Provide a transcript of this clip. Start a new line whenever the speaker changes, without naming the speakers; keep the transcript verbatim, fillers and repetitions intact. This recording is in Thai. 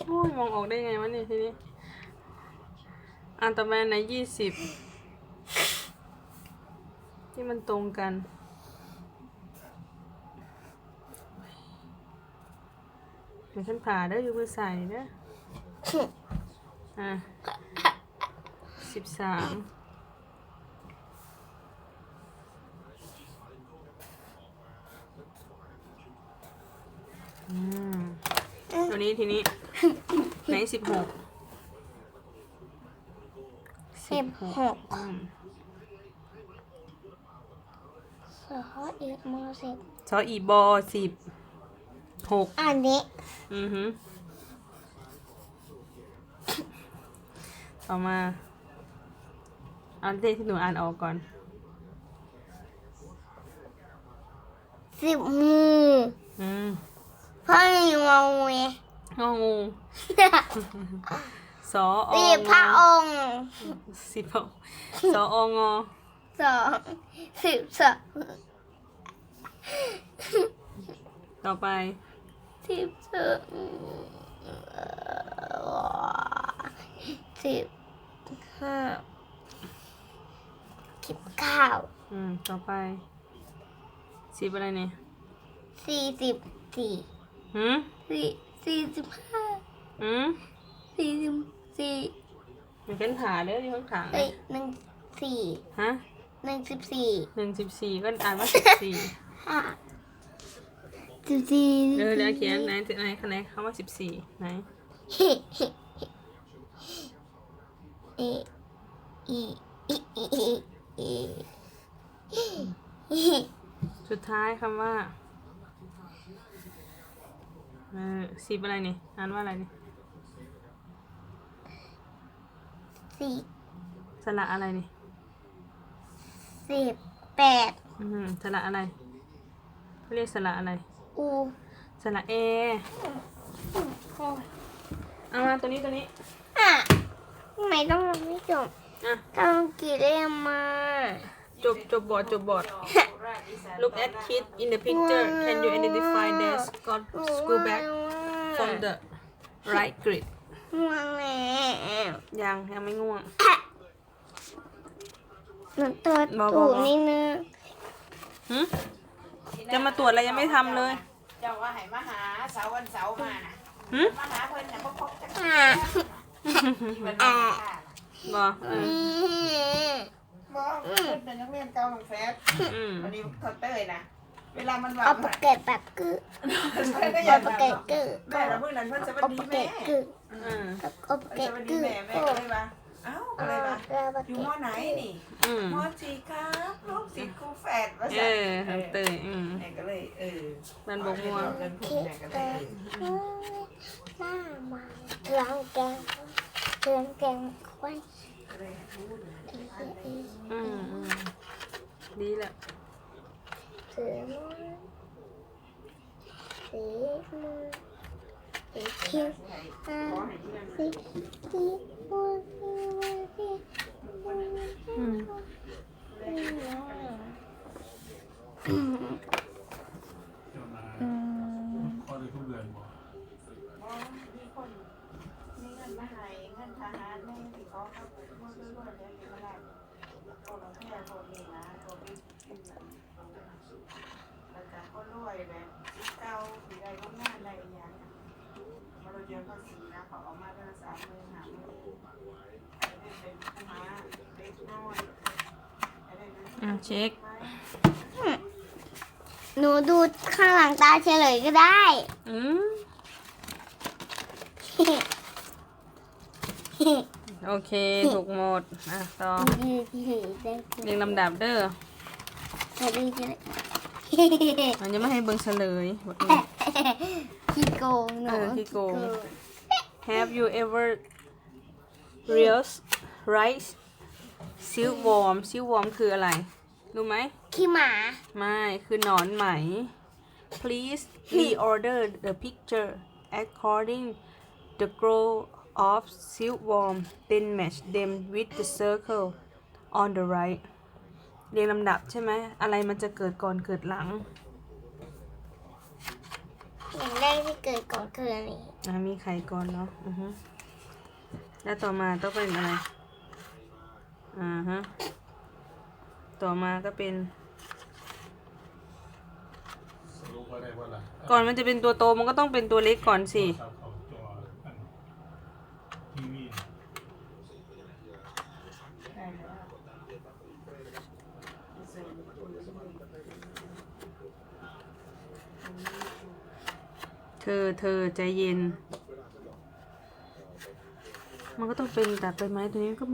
โอ้ยมองออกได้ไงวะเนี่ยทีนี้อันต่อมาในยี่สิบที่มันตรงกันเดี๋ยวฉันผ่าเด้ออยู่มือใส่เด้ออ่ะสิบสามอืมตัวนี้ทีนี้ไหนสิบหก
สิบหก
อืม
สออีกมสิบ
ซออีบอสิบหก
อันนี้
อือฮึต่อมาเอาเลขที่หนูอ่านออกก่อน
สิบมือ
อืม
พ่อมีงงเวย
งองูสออ
สิบ
ง
พระองค์
สิบหกสอองอ
สองสิบสอง
ต่อไป
สิบสองสิบห้าสิบเก้า
อืม ต่อไปสิบอะไรเนี่ย
สี่สิบสี่
หืม
สี่สี่สิบห้า
หืม
สี่สิบสี่
เดี๋ยวเป็นผ่าเด้อที่ข้างขาง
เอ้ยหนึ่งสี่
ฮะ
หนึ่งสิบสี่
หนึ่งสิบสี่ก็อ่านว่าสิบสี่
ห้าสิบสี่
เออเดี๋ยวเขียนไหนไหนคะแนนคำว่าสิบสี่ไหน
เฮ้เฮ้เออีอีอีอีอี
สุดท้ายคำว่าเออสิบอะไรนี่อ่านว่าอะไรนี่
สี่
สระอะไรนี่
สิบแปด
อืมสระอะไรเขาเรียกสระอะไร
อู
สระเอเอามาตัวนี้ตัวนี้
อ่ะทำไมต้องไม่จบ
อ่ะ
ต้องกี่เล่มมา
จบจบบอร์ดจบบอร์ด Look at kids in the picture Can you identify their got school bag from the right grid
ง่วงแล้ว
ยังยังไม่ง่วง
หนูตัว
บอก
ตู
บอก
ด
บอก
นี่นะ
หืมจะมาตรวจอะไรยังไม่ทำเลย
เจ้าว่าให้มาหาเสาร์วันเสาร์มาน่ะ
หืม
มาหาเพิ่นน่ะบ่พบจัก
อ่ะ
มันมาค่ะ
บอเออ
บ่เพิ่นเป็นนักเรียนเก่าของแฟด
อืม
วันนี้เขาเต้ยนะเวลามันว่า
เอาปากเก็ตปากกึ
เพิ่นก็อ
เอา
ยาก
ปาก
ถาม
เก็ตกึ
แม่ละมื้อนั้นเพิ่นสวัส
เอา
ดี
ปาก
แม่
เก็ตกึ
อืม
เอาปาก
เพิ่น
เก็
ส
ต
วัสดี
กึ
แม่แม่ก็เลยว่าเอ้าก็เลยว่า
เอาปาก
อยู่
เก็
ม
ต
ไหนนี่
อืม
มสี่ครับลูกศิษย์ครูแฝดว่า
เอ
ซั่น
อทำเตยอืม
แม่ก็เลยเออ
มันบกม่วง
เพิ่นพูดแม่ก็เลย
หน้ามาล้างแกงเตือนแกงไว้
ก็เลยพูด
อืมอืมดีแหละ
เสือมือสีมือสีเขียวอ่าสีสีมือสีมือสีมือ
อืม
อืมอืม
ข้อได้ทุกเดือนบ่
อ๋อมีคนมีเงินมาให้เงินทหารแม่ที่เขาเขาเมื่อเรื่อยๆเดี๋ยวนี้มาได้โอ้เราแค่คนนี้นะตัวพี่พี่นั่นแล้วก็ก็รวยแบบเก่าสีใดก็งานใดอย่างเงี้ยมาเราเจอเขาสีนะเขาเอามาเดือนสามหมื่นห้าหมื่นได้เป็นผู้ม้าเล็กน้อยได้เป็น
อ่ะเช็ค
หนูดูข้างหลังตาเฉลยก็ได้
อืมโอเค ถูกหมด อ่ะ ต่อ เรียงลำดับเด้อ มันจะไม่ให้เบิ่งเฉลยบอกนี่
ขี้โกงหนู
เออขี้โกง Have you ever realized rice silkworm silkworm คืออะไร รู้ไหม
ขี้หมา
ไม่ คือหนอนไหม Please reorder the picture according the growth of silkworm then match them with the circle on the right เรียงลำดับใช่ไหม อะไรมันจะเกิดก่อนเกิดหลัง
อย่างแรกที่เกิดก่อนคืออันนี้
อ่ะมีไข่ก่อนเนาะอือฮึแล้วต่อมาต้องเป็นอะไรอ่าฮะต่อมาก็เป็น
สรุปว่าได้ว่าอะไร
ก่อนมันจะเป็นตัวโตมันก็ต้องเป็นตัวเล็กก่อนสิ
ครับเขาจออันทีวี
ได้แล้ว
เธอเธอใจเย็น มันก็ต้องเป็นตัดใบไม้ตัวนี้ก็